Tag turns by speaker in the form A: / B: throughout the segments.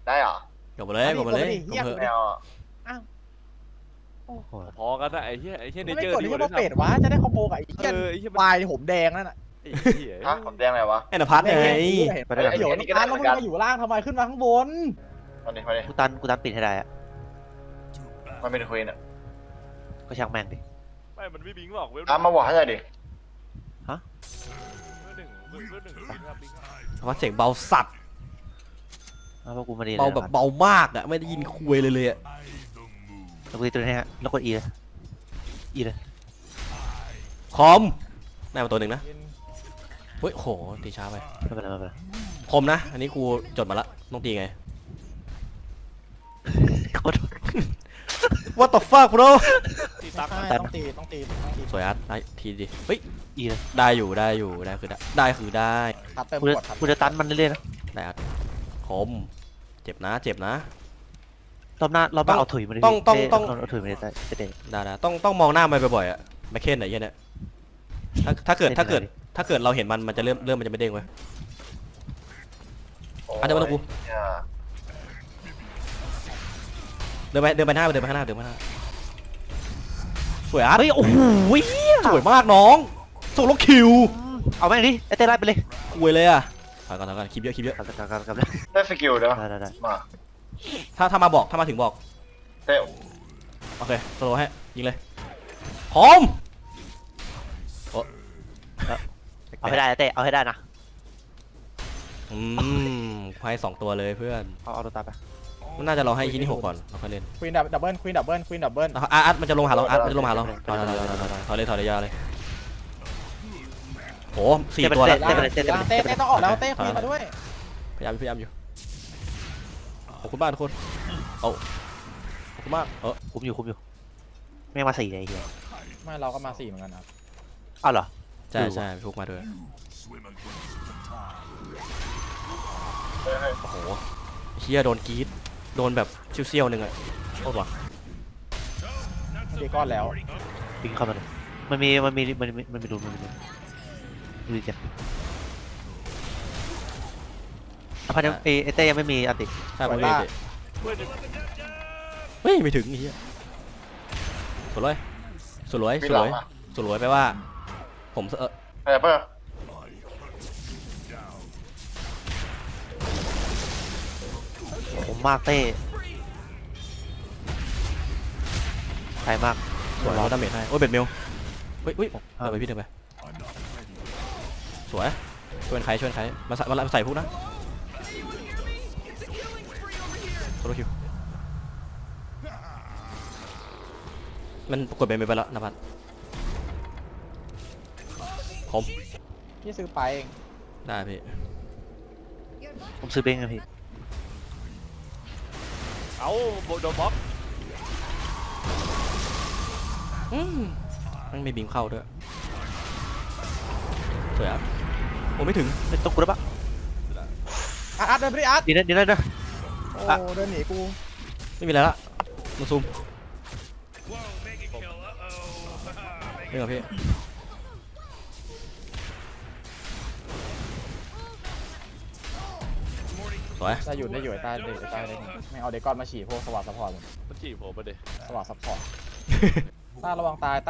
A: ได้เหรอ
B: กดมาเลยกดมาเลยกดเถอะ
A: แมว
C: โอ้โห
D: พอกันนะไอ้เหี้ยเน
C: ไม่
D: เจอ
C: ก
D: ร์
C: ด
D: ดี
C: ที่
D: กว่า
C: ว่าเป็ดวะจะได้คอมโบกับไอ้เหี้ย
D: ไอ้เหี้ย
C: วายผมแดงนั่นน่ะ
D: ไอ้เหี้ย
A: ฮะผมแดงอะไรวะ
B: ไอ้นภัสไง
C: ไอ้โหยร้านแล้วมึงมาอยู่ล่างทำไมขึ้นมาข้างบน
A: มาดิ
E: กูตันปิดให้ได้อะ
A: มันเป็นควีนอ่ะ
E: ก็ช่างแม่งดิ
D: ไม่มันไม่บิงหรอกเว้ย
A: มาบอกให้หน่อยดิ
D: หนึ่งบิงครับ
B: นภัสเสียงเบาสัตว์
E: เอาพวกกูมาดี
B: เบาแบบเบามากอ่ะไม่ได้ยินคุยเลยอ่ะ
E: แล้วกูตีตัวนี้ฮะแล้วกดอีเลย
B: คอมได้มาตัวหนึ่งนะเฮ้ยโหตีช้าไป
E: ไม่เป็นไร
B: คมนะอันนี้กูจดมาละต้องตีไง
E: กด
B: What the fuck bro
D: ตีตัก
C: ต้องตี
B: สวยอาร์ตได้ทีดิเฮ้ย
E: อีเลย
B: ได้คือได้คือได้
C: ตัดเติม
E: กู
C: ก
E: จะ
C: ดครับ
E: กูจะตันมันเรื่อยๆนะ
B: ได้อาร์ตคมเจ็บนะ
E: รอบหน้าเอาถุยมาดิ
B: ต้อง
E: เอาถุยมาดิจะเด็ด
B: ได้ต้องมองหน้ามันบ่อยๆอ่ะแมคเคนไหนเหี้ยเนี่ยถ้าเกิดเราเห็นมันจะเริ่มมันจะไม่เด้งไว้ เดินไปหน้าสวยอาร์ต
E: เฮ้ยโอ้โห
B: สวยมากน้องส่งล็อกคิว
E: เอาแม่งดิไอ้เต้ไล่ไปเลย
B: คุยเลยอ่ะถอยก่อนคลิปเยอะ
E: กลับ
A: ได้สกิลเด้อ
E: ได้
A: มา
B: ถ้ามาถึงบอก
A: เต้
B: โอเคสโลว์ให้ยิงเลยพร้อม
E: เอาให้ได้เต้เอาให้ได้นะ
B: ไพ่2ตัวเลยเพื่อน
E: เอาตัวตาไป
B: มันน่าจะรอให้ที่นี่6ก่อนเราค่อยเล่น
C: ควีนดับเบิล
B: อาร์ตมันจะลงหาเราถอยเลยยาวเลยโห4ตัวแล้ว
C: เต้ต้องออกแล้วเต้ควีนมาด้วย
B: พยายามอยู่ขอบคุณมากทุกคนขอบคุณมาก
E: คุมอยู่แม่งมา4เลยเฮีย
C: ไม่เราก็มา4เหมือนกันครับ
E: อ้าวเหรอ
B: ใช่ทุกมาด้วยโอ้โหเฮียโดนกรีดโดนแบบเซี่ยวๆนึงอะโคตรว่ะ
C: ตีก้อนแล้ว
E: ปิงเข้ามาเลยมันมีรูดูจ้ะพันยังเอเต้ยังไม่มีอันติ
B: ใช่ผมเลยเฮ้ยไม่ถึงไอ้เหี้ยสวยแปลว่าผม
A: อะไรเปล่า
E: ผมมากเต้ใครมาก
B: สวยดาเมจให้โอ้ยเบ็ดเมลเฮ้ยเดินไปพี่เดินไปสวยชวนใครมาใส่พวกนะโซโลคิวมันกดเบ็ดเมลไปแล้วนะพัดผม
C: พี่ซื้อไปเอง
B: ได้พี่
E: ผมซื้อเบ้งนะพี่
D: เอาโดนบล็อก
B: มันไม่บีมเข้าด้วยสวยครับโอ้ไม่ถึง
E: ไม่ต้องกูแล้วปะ
C: อาร์ตเดินไปดิอาร์ต
E: ดีนะ
C: โอ้เดินหนีกู
B: ไม่มีอะไรละมาซูมเรื่องกับพี่สวย
C: ได้อยู่ใต้ไม่เอาเดกอนมาฉี่พวกสวัสดิ์ซัพพอร์ต
D: มันจีบผมมาดิ
C: สวัสดิ์ซัพพอร์ตต้าระวังตาย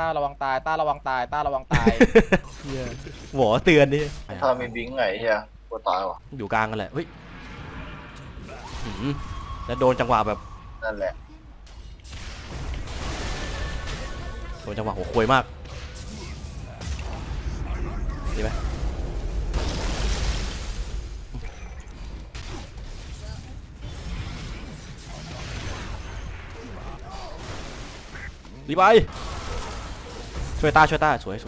B: หวอเตือนดิ
A: ถ้ามีบิงไงเฮียกูตายว่ะ
B: อยู่กลางกันแหละเฮ้ยแล้วโดนจังหวะแบบ
A: นั่นแหละ
B: โดนจังหวะหัวควยมากดีไหมรีบไปช่วยต้าสวย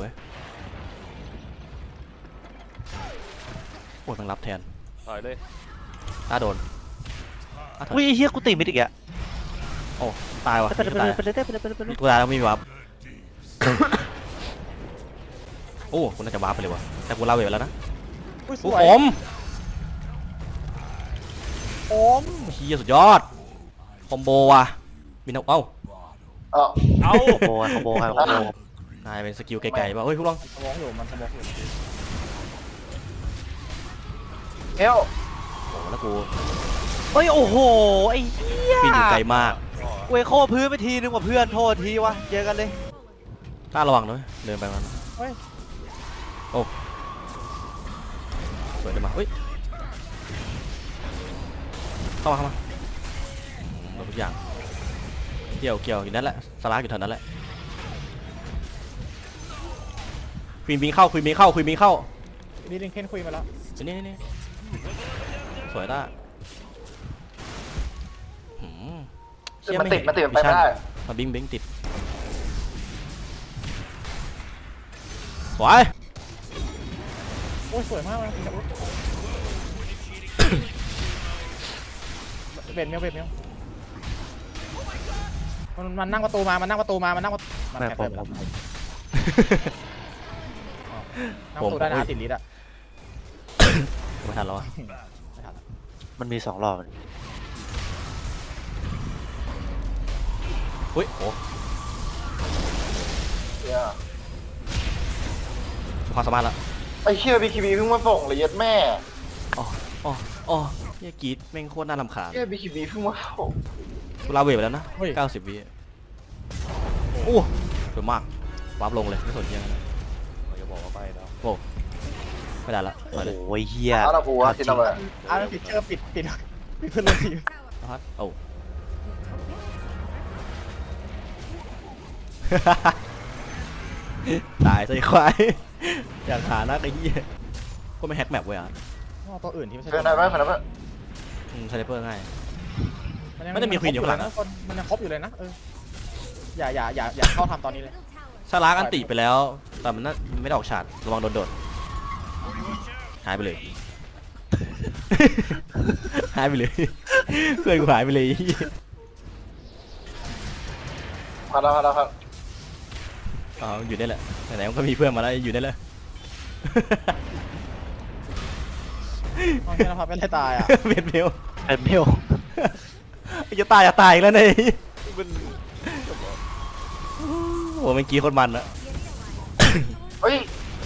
B: โอ้ยมันรับแทน
D: ต่อยเลย
B: ต้าโดน
E: อุ้ยเฮียกูตีไม่ติดอ่ะ
B: โอ้ตายว่ะ
E: ไปเลย
B: ตัวตายแล้วไม่มีวับ โอ้กูน่าจะวับไปเลยวะแต่กูเล่าไปแล้วนะ
C: ส
B: กู
C: วย
B: ผม
C: ม
B: เฮียสุดยอดคอมโบว่ะมีนกเอ้า
A: เอา
E: คอมโบครับ
B: นายเป็นสกิลไกลๆป่ะเฮ้ยพวกลอง
C: สมองอยู่มันสมองอยู่
A: เอล
B: โอ้แล้วกู
E: เฮ้ยโอ้โหไอ้เหี้ย
B: ปีนอยู่ไกลมาก
E: เวโคพื้นไปทีนึงว่าเพื่อนโทษทีวะเจอกันเลย
B: ต้าระวังด้วยเดินไปมัน
C: เฮ้ย
B: โอ้สวยเลยมาเฮ้ยเข้ามาหมดทุกอย่างเกี่ยวอยู่นั่นแหละสลากอยู่แถวนั้นแหละควีนบิงเข้า
C: นี่ลิงเคนคุยมาแล้ว
B: นี่สวยต้าเชี่ย
A: มัน
B: ไม่
A: ติ
B: เห็
A: ดมันติดไปไม่ได้
B: มาบิงติดสวย
C: โอ้ยสวยมากเลยเบ็ดเมียวมันนั่งประตูมา มันนั่งประตูมัน
E: แม่
C: แอบ
E: ผ
C: ไป
E: ม
C: แล้วนั่งประตูได้นะติดลิสอะ
B: ไม่ทันแล้วอะ
E: มันมี2รอบ
B: อุ้ยโอ้
A: เหี้ย
B: ความสามารถละ
A: ไอ้เชี่ยบีคีบีเพิ่งมาส่งเลยเย็ดแม่
B: อ๋อเฮียกรีดแม่งโคตรน่ารำคาญ
A: เชี่ยบีคีบีเพิ่งมาส่ง
B: กูลาเวทไปแล้วนะ90 วิโอ้สวยมากวาร์ปลงเลยไม่สนเฮียนะ
D: เราจะบอกว่าไปแล้ว
B: โอ้ไม่ได้ละถอยเลย
E: โอ้ยเฮีย
A: เอาละกูว่าที่นั่นเลย
C: อ้าวปิดเชื่อปิดเพื่อนร่วมทีม
B: ฮัทโอ้ ตายใส่ควายอยากหานักไอ้เหี้ยก็ไม่แฮกแมปเว้ยอ่ะ
C: ตัวอื่นที่ไม่ใช่
A: เพื่อนได้ไหมเพื่อนได้ไหม
B: สไนเปอร์ง่าย
C: มัน
B: มันจะมีควีนอยู่ข้างหลังอะ
C: มันยังครบอยู่เลยนะอย่าเข้าทำตอนนี้เลย
B: ชาลากอันติไปแล้วแต่มันไม่ได้ออกฉาดระวังโดนหายไปเลย หายไปเลยเพื่อนกูหายไปเลย
A: พันแล้วครับ
B: อ๋ออยู่ได้แหละไหนๆมันก็มีเพื่อนมาแล้วอยู่ได้เลย
C: เอาแค่นะครับเป็นไรตายอ่ะ
B: เบ็ดเมล
E: เป็นเมล
B: จะตายอีกแล้วเนี่ย
D: มัน
B: โอ้เมื่อกี้คนมันอะ
A: เฮ้ย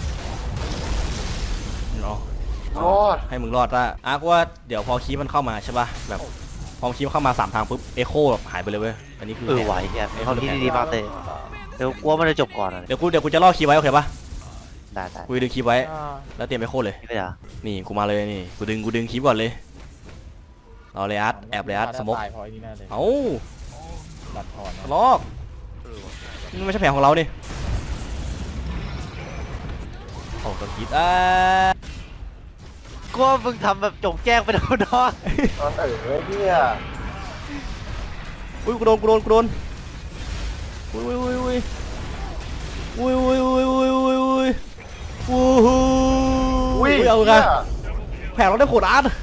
B: เนาะ
A: รอด
B: ให้มึงรอดละอาร์กว่าเดี๋ยวพอคีย์มันเข้ามาใช่ป่ะแบบพอคีย์มันเข้ามา3 ทางปุ๊บเอโคแบบหายไปเลยเว้ยอันนี้คือ
E: ไหวเนี่ยเขาคิดดีๆมากเลยเดี๋ยวกลัวมันจะจบก่อนอ่ะ
B: เดี๋ยวกูจะล่อคีย์ไว้โอเคป่ะ
E: ได้
B: กูดึงคีย์ไว้แล้วเตรียมเอโคเลย
E: นี่ก็ได้
B: นี่กูมาเลยนี่กูดึงคีย์ก่อนเลยรอเลยอาร์ตแอบเลยอาร์ตสมก
C: ตายพอไอ้นี่แน่เลย
B: เอ้า
C: บัดทอน
B: ลอกนี่ไม่ใช่แผนของเราดิโอ้ตัวคิด
E: กลัวมึงทำแบบจงแจ้งไปโดนน้อง
A: นอนเหี้ย
B: อุ้ยกูโดนอุ้ยเอาไงแผนเราได้โหดอาร์ต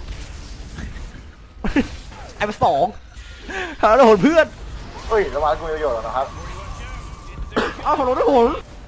B: ไอ้ไป2แผนเราได้โหดเพื่อน
A: เฮ้ยระวังกูมีประโยชน์แล้วนะครับ
B: เอ้าแผนเราได้โหด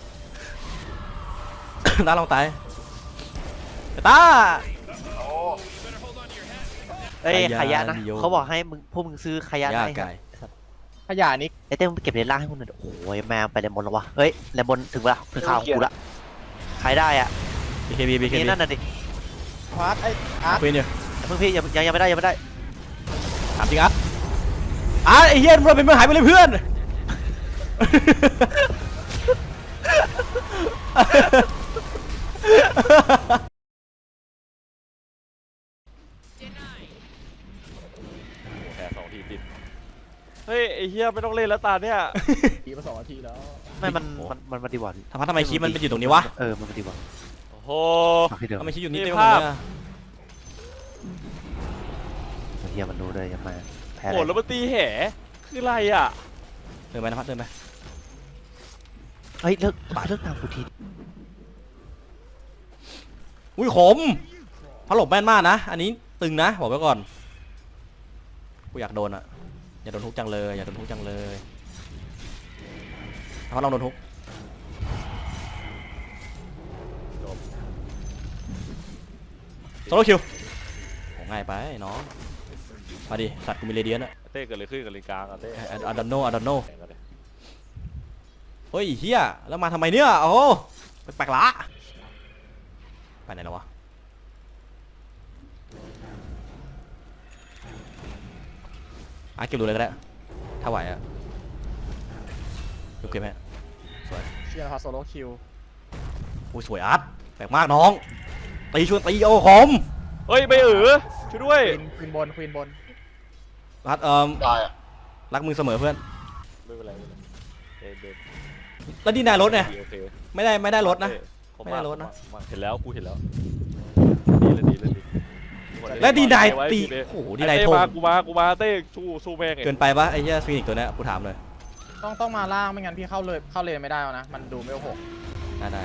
B: ตาลองตายตา
A: โอ้
E: เอ้ย
B: ขยะ
E: ขยะนะ
B: นิยม
E: เขาบอกให้มึงพวกมึงซื้อขยะ
B: ยาก
E: ให้
B: ไกล
C: ขยะนี้
E: ไอ้เต้มึงเก็บเลนล่างให้มึงหน่อยโอ้ยแมวไปเลนบนแล้ววะเฮ้ยเลนบนถึงเวลาถึงข่าวกูละใครได้อ่ะ
B: BKB
E: นี่นั่นน่ะดิ
C: พาร์ทไอ้อาร์ต
B: คุยเนี่ย
E: เพิ่งพี่ยังไม่ได้
B: ถามจริงอาร์ตไอ้เหี้ยมันเป็นเมื่อหายไปเลยเพื่อน
D: แพ้2 ทีติดเฮ้ยไอ้เหี้ยไม่ต้องเล่นแล้วตาเนี่ย
C: ทีมา2 นาทีแล้ว
E: ไม่มันดีกว่า
B: ทำไมคีย์มันไปอยู่ตรงนี้วะ
E: มันดีกว่า
D: โอ้โห
E: ฝากที่เดิม
B: ทำไมคีย์อยู่นี่
D: มี
B: เต็มหม
D: ภา
B: ด
D: พ
B: เลยอะ
E: เฮียมันรู้เลยยังมาแพ้
D: โหแล้วมันตีแห่คืออะไรอ่ะ
B: เดินไปนะพัดเดินไป
E: เฮ้ยเลิกตามกูที
B: อุ้ยขมพัดหลบแม่นมากนะอันนี้ตึงนะบอกไว้ก่อนกูอยากโดนอะอย่าโดนทุกจังเลยอย่าโดนทุกจังเลยพัดลองโดนทุกโซโลคิวโหง่ายไปน้องมาดิสัตว์กูมีเรเดียนอะ
D: เต้เกิดอะไรขึ้นกับลิงกลางอ่ะเต้
B: อดันโน
D: แข่งกันเลย
B: เฮ้ยเฮียแล้วมาทำไมเนี่ยโอ้แปลกๆละไปไหนแล้ววะเก็บดูเลยก็ได้ถ้าไหวอะเก็บไหมสวย
C: เชียร์พาโซโลคิว
B: อุ้ยสวยอาร์ตแปลกมากน้องตีชวนตีโอ้หอม
D: เฮ้ยไม่ช่วยด้วย
C: ควีนบนควีนบน
B: อาร์ต
A: ตายอ่ะ
B: รักมึงเสมอเพื่อน
D: ไม่เป็นไรเดิน
B: แล้วดีนายรถเนี่ย
D: โอเค
B: ไม่ได้รถนะ
D: ขอบ
B: ไม่ได้รถนะ
D: เห็นแล้วกูเห็นแล้วดีเลย
B: และดีนาย
D: ไว้
B: ตี
D: เลย
B: โอ้โหดีนายโท
D: กูมาเต้สู้แม่ง
B: เกินไปปะไอ้เหี้ยฟินิกตัวเนี้ยกูถามเลย
C: ต้องมาล่างไม่งั้นพี่เข้าเลนไม่ได้แล้วนะมันดูไม่โอหก
B: ได้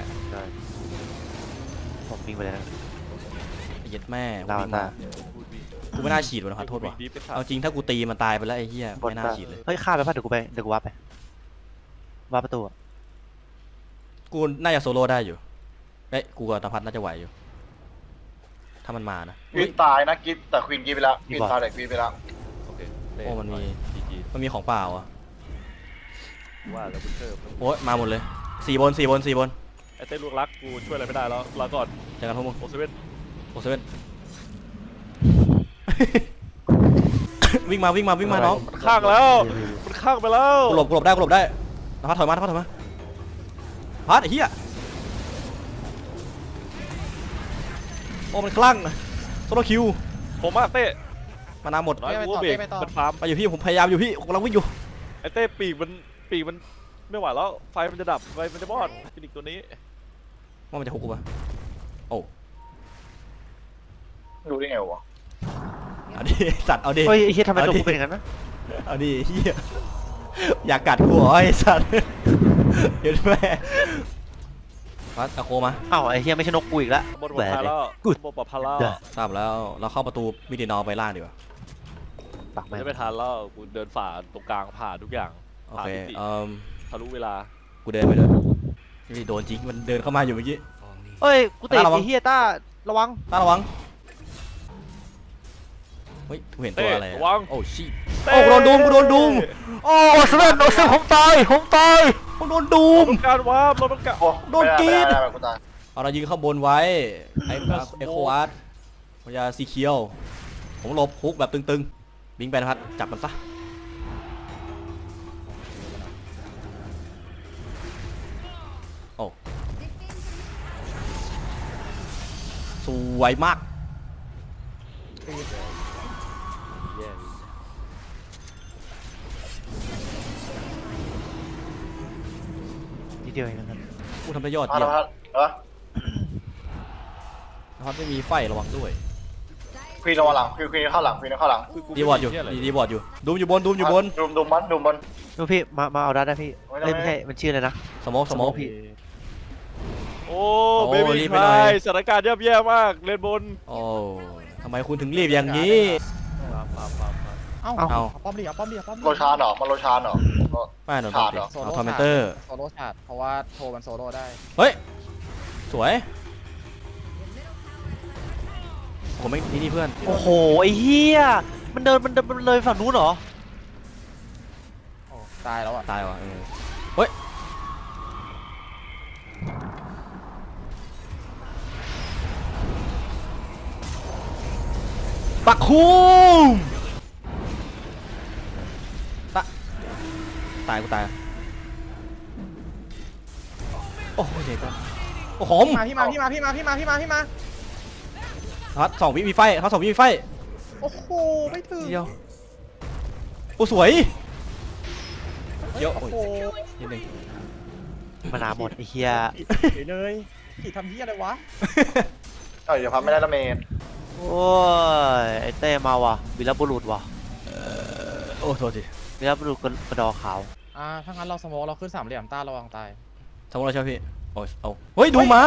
E: ผมวิ่งไปเลยนะ
B: ไอ้เหี้ย็ดแม่
E: ลาวาตา
B: กูไม่น่าฉีดมันขอโทษว่ะเอาจริงถ้ากูตีมันตายไปแล้วไอ้เหี้ย
E: บน
B: ไม่น่า
E: ตา
B: ฉีดเลย
E: เฮ้ยฆ่าไปป่ะเดี๋ยวกูวาร์ปไปวาร์ปประตูอะ
B: กูน่าจะโซโล่ได้อยู่เอ้ยกูกับตาพัดน่าจะไหวอยู่ถ้ามันมานะ
A: ควีนตายนะกิฟแต่ควีนกิฟไปแล้วควีนตายแต่ควีนไปแล้ว
D: โอเค
B: โอ้มันมี
D: จี
B: มันมีของเปล่าอ่ะ
D: ว่าแล้วบุญเชิม
B: โอ้ยมาหมดเลย4 บน
D: ไอ้เต้ลูกรักกูช่วยอะไรไม่ได้แล้วลาก่อน
B: เจอกันพวกมึง
D: โอเซเว่น
B: โอ้เซเว่น วิ่งมาน้อง
D: มันข้างแล้วมันข้างไปแล้ว
B: กูหลบได้ตาพัดถอยมาพัดไอ้เหี้ยโอ้มันคลั่งโซโลคิว
D: ผมมาเต้
B: มานาหมด
D: น้อยกูเบรกมันฟาร์ม
B: ไปอยู่พี่ผมพยายามอยู่พี่กำลังวิ่งอยู่
D: ไอ้เต้ปีกมันไม่ไหวแล้วไฟมันจะดับไฟมันจะมอดฟินิกตัวนี้
B: ว่ามันจะฮุกกูปะโอ้
A: ดูได้ไงวะ
B: เอาดิสัตว์เอาดิ
E: เฮ้ยไอ้เหี้ยทำไมตัวกูเป็นอย่างนั้นนะ
B: เอาดิเหี้ยอยากกัดกูเหรอไอ้สัตว์เห็นแม่พัดเอาโคมา
E: อ้าวไอ้เหี้ยไม่ใช่นกกูอีกแล้ว
D: บนปลอดภัยแล้วบนปลอดภัยแล้ว
B: ทราบแล้วเราเข้าประตูมิดินอลไปล่างดีกว่า
E: ปัก
D: มั
E: แม่
D: นจะไม่ทันแล้วกูเดินฝ่าตรงกลางผ่าทุกอย่าง
B: โอ
D: ผ่า
B: เค
D: ทิศทะลุเวลา
B: กูเดินไปเลยนี่โดนจริงมันเดินเข้ามาอยู่เมื่อกี้
E: เฮ้ยกูเตะ
B: ระวัง
E: ไอ้เหี้ยต้าระวัง
B: ต้าระวังเฮ้ยกูเห็นตัวอะไร
D: ระวัง
B: โอ้ชิโอ้กูโดนดูมโอ้เซเว่นผมตายผมโดนดูม
D: การวาร์ปเราต้องการ
A: โอ้
B: โดนกรีด
A: ไม่ได้กูตาย
B: เอาเรายิงข้างบนไว้ไอ้โคอาร์ตพยาสีเขียวผมหลบฮุกแบบตึงๆบิงไปนะครับจับมันซะโอ้สวยมาก
E: นิดเดียวเองนะครับ
B: กูทำได้ยอด
A: พัด
B: เยี่ยม
A: พัดเหรอ
B: นะครับไม่มีไฟระวังด้วย
A: ควีนระวังหลังควีนเข้าหลังควีนเข้าหลัง
B: ดีบอร์ดอยู่ดีบอร์ดอยู่ดูมอยู่บน
A: ดุมบน
E: ดูพี่มาเอาได้พี่
A: ไม่ได้
E: เอ้ยไม่ใช่มันชื่ออะไรนะ
B: สโมก
E: พี่
D: โอ้
B: โอ้
D: เบบี้
B: รีบ
D: ค
B: ไปหน่
D: ลา
B: อย
D: ยสถานการณ์ย่ำแย่มากเลนบน
B: โอ้ทำไมคุณถึงรีบอย่างนี้
C: เอ้า
B: เอา
C: ป้อมดิป้อมดิ
A: โลชานเหรอมันโลชานเหรอ
B: ไม่หนอน
A: ขาดเหรอ
B: เอาทอมเมนเตอร์
C: โซโล่ชาร์ดเพราะว่าโทมันโซโล่ได้
B: เฮ้ยสวยผมไม่นี่เพื่อน
E: โอ้โหไอ้เหี้ยมันเดินเลยฝั่งนู้นเหรอ
C: โอ้ตายแล้วอ่ะ
B: ตายว่ะเฮ้ยปักคุ้มตายกูตายโอ้โหเด็กกันโอ้โห
C: พี่มา
B: ทัด2 วิมีไฟทัด2 วิมีไฟ
C: โอ้โหไม่ถึง
B: เดียวโอ้สวยเยอะ
C: โอ้โห
B: นิดนึง
E: มานาหมดไอ้เหี้ย
C: เลยขี่ทำเหี้ยอะไรวะ
A: เดี๋ยวพัดไม่ได้ละเมน
E: โอ้ยไอ้เต้มาว่ะวีรบุรุษว่ะ
B: โอ้โทษที
E: วีรบุรุษกระดอขาว
C: ถ้างั้นเราสโมกเราขึ้นสามเหลี่ยมต้าระวังตาย
B: สมมติเราใช่ไหมพี่โอ้ยเอาเฮ้ยดูมา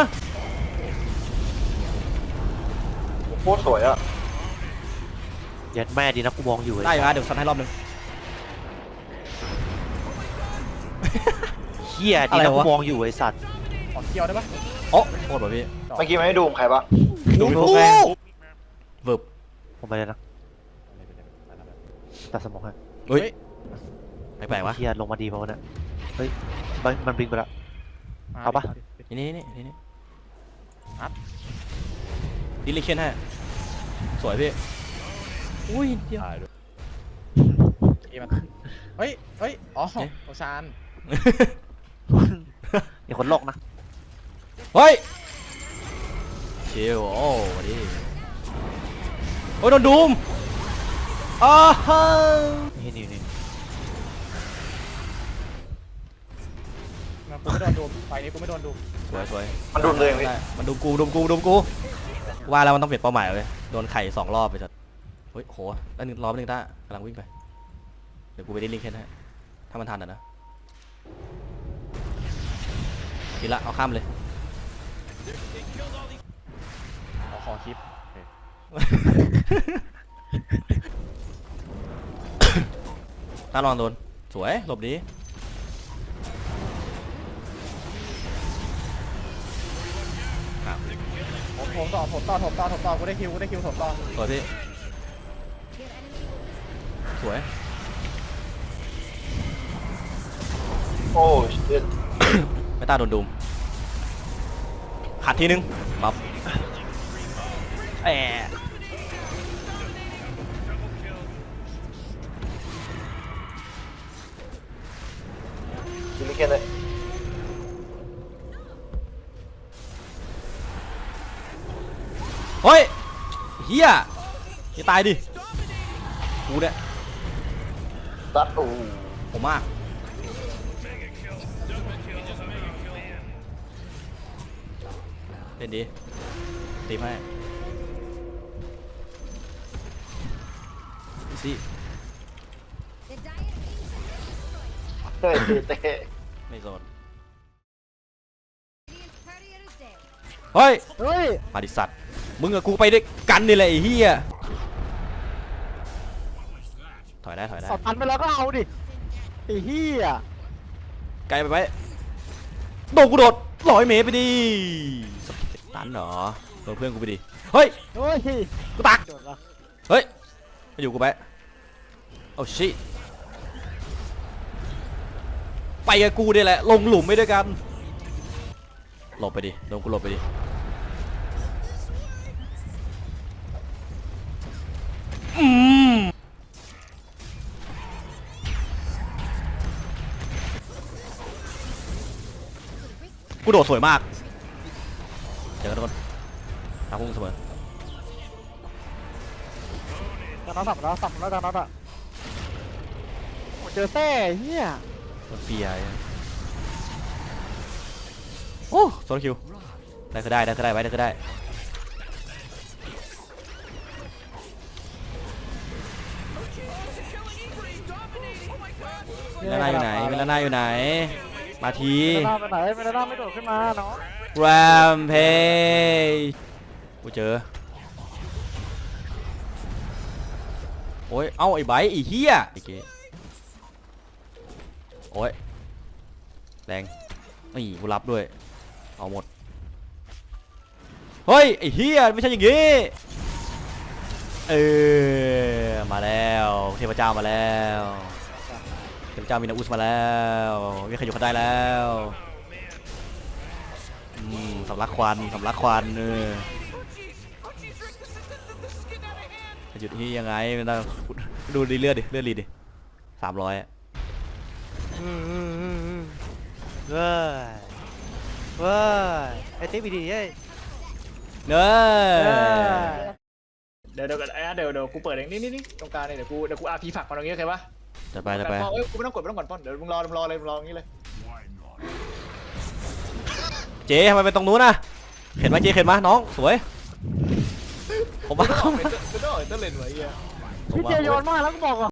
A: โคตรสวยอ่ะ
E: ยัดแม่ดีนะกูมองอยู่
B: ได้อยู่นะเดี๋ยวซัดให้รอบนึง
E: เหี้ยดีนะกูมองอยู่ไอ้สัตว์
C: ขอเคียวได้ปะ
B: โอ้โคตรแบบพี่
A: เมื่อกี้มันไม่ดูมใครปะ
B: ดู
E: โอ้
B: แม่งเวิร์บ
E: ผมไปเลยนะตัดสมองให้
B: เฮ้ยแปลกๆวะ
E: เหี้ยลงมาดีเพราะว่าเนี่ยเฮ้ยมันบิงไปแล้ว เอาปะ
B: นี่ดิลิเคนให้สวยพี่อุ้ยเดียว
D: ตายด้วย
C: เอ้มันเฮ้ยอ๋อโอชาน
E: มีคนโลกนะ
B: เฮ้ยชิวโอ้วันนี้โอ้ยโดนดูมอ้าว
E: นี่
C: กูไม่โดนดูไฟนี้กูไม่โดนดู
B: สวยสวย
A: มันดูมเลยพี่
B: ได้มันดูกูว่าแล้วมันต้องเปลี่ยนเป้าหมายเลยโดนไข่2 รอบไปสัตว์เฮ้ยโหแล้วรอบนึงต้ากำลังวิ่งไปเดี๋ยวกูไปได้ลิงก์แค่นั้นถ้ามันทันนะกินละเอาข้ามเลย
C: ขอคลิป
B: ต้าลองโดนสวยหลบดี
C: ผมต่อกูได้คิวถมต่อ
B: สวยพี่สวย
A: โอ้ชิต
B: ไม่ต้าโดนดูมขัดทีนึงปั๊บ
E: แอะ
A: ชิลิเคนเลย
B: เฮ้ยเฮียจะตายดิกูเนี่ย
A: ซัดโอ้
B: ผมมากเล่นดีตีให้สิ
A: เฮ้ยเตะ
B: ไม่โซนเฮ้ย
C: เฮ้ย
B: มาดิสัตว์มึงกับกูไปด้วยกันนี่แหละไอ้เหี้ยถอยได้
C: สอดตันไปแล้วก็เอาดิไอ้เหี้ย
B: ไกลไปไหมโดนกูโดด100 เมตรไปดิตันเหรอโดนเพื่อนกูไปดิเฮ้ย
C: เฮ้ย
B: กูตักเฮ้ยมาอยู่กูไปโอ้ชิไปกับกูนี่แหละลงหลุมไม่ด้วยกันหลบไปดิโดนกูหลบไปดิกูโดดสวยมากเจอกันทุกคนทางพุ่งเสมอ
C: ตอนนั้นสับแล้วตอนนั้นอ่ะเจอแท้เหี้ย
B: มันเปียโอ้โซลคิวได้ก็ได้ไว้ได้ก็ได้เวลาหน้าอยู่ไหนมาที
C: ไม่ได้ไม่โดดขึ้นมาเนาะ
B: แรมเพย์กูเจอโอ้ยเอ้าไอ้ไบไอ้เหี้ยไอ้เก๋โอ้ยแรงนี่กูรับด้วยเอาหมดเฮ้ยไอ้เหี้ยไม่ใช่อย่างงี้มาแล้วเทพเจ้ามาแล้วเทพเจ้ามีนาอุสมาแล้วมีใครอยู่ข้างได้แล้วสำลักควันหยุดที่ยังไงมันต้องดูดีเลือดรีดิ300อะ
E: เว้ยไอ้ติ๊บดีเอ้ย
B: เน้อ
C: เดี๋ยวกูเปิดเองนี่ตรงกลางเนี่ยเดี๋ยวกูอาร์พีผักมาตรงนี้โอเคปะ
B: จะไป
C: เอ้ยกูไม่ต้องกดป้อนเดี๋ยวมึงรอเลยอย่างนี้เลย
B: เจ๊ทำไมไปตรงนู้นน่ะเห็นไหมเจ๊เห็นไหมน้องสวยผมมาเข้ามา
C: ไม่ต้องเลนไว้เหี้ย
B: พี่เจโยนมากแล้วก็บอก